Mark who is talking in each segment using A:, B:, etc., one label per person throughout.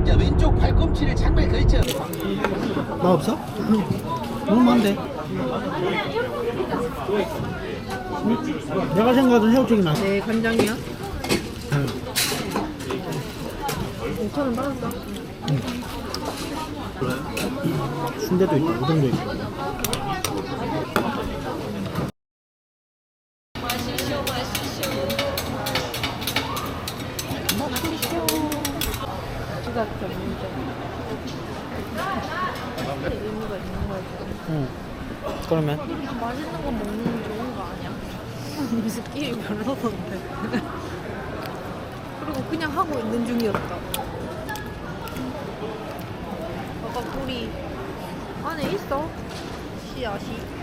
A: 자, 왼쪽 팔꿈치를 장발 걸쳐.
B: 나 없어? 너무 많은데. 내가 생각하던 새우튀김 맛.
C: 네, 간장이요? 5,000원 받았어.
B: 순대도 있고 우동도 있고.
C: 주가 전문점. 의미가 있는 거지.
B: 응. 그러면
C: 맛있는 거 먹는 게 좋은 거 아니야? 느낌이 별로던데. 그리고 그냥 하고 있는 중이었다. 아까 꿀이 안에 있어. 씨앗이.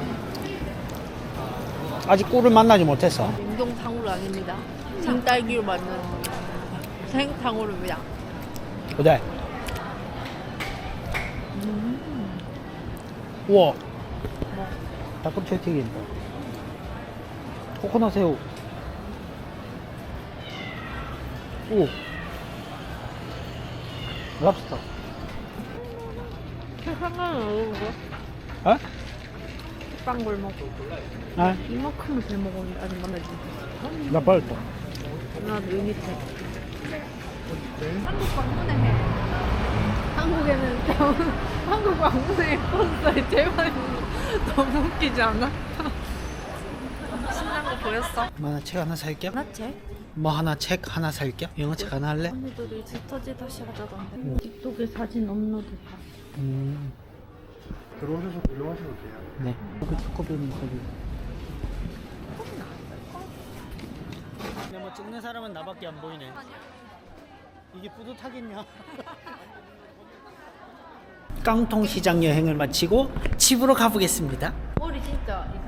B: 아직 꿀을 만나지 못했어.
C: 냉동탕후루 아닙니다. 생딸기로 만든 생탕후루입니다.
B: 어때? 우와.
C: 뭐?
B: 닭꼬치 튀김. 코코넛 새우. 오. 랍스터.
C: 상관은 어려운
B: 어?
C: 빵 골목.
B: 아,
C: 이만큼을 잘 먹었는데 아직 만나지 못했어.
B: 나 빨리 또.
C: 나도 여기 밑에. 한국 방문회 해. 한국에는 한국 방문회 콘서트 제일 많이 너무 웃기지 않아? 신난 거 보였어?
B: 뭐 하나 책 하나 살게.
C: 나체?
B: 뭐 하나 책 하나 살게. 영어 책 하나 할래?
C: 언니들이 지터지 다시 하자던데. 틱톡에 사진 업로드 다.
D: 들어오셔서 구경하셔도 돼요.
B: 네. 여기 초코비는 거기. 근데 뭐 찍는 사람은 나밖에 안 보이네. 이게 뿌듯하겠냐? 깡통시장 여행을 마치고 집으로 가보겠습니다.
C: 머리 진짜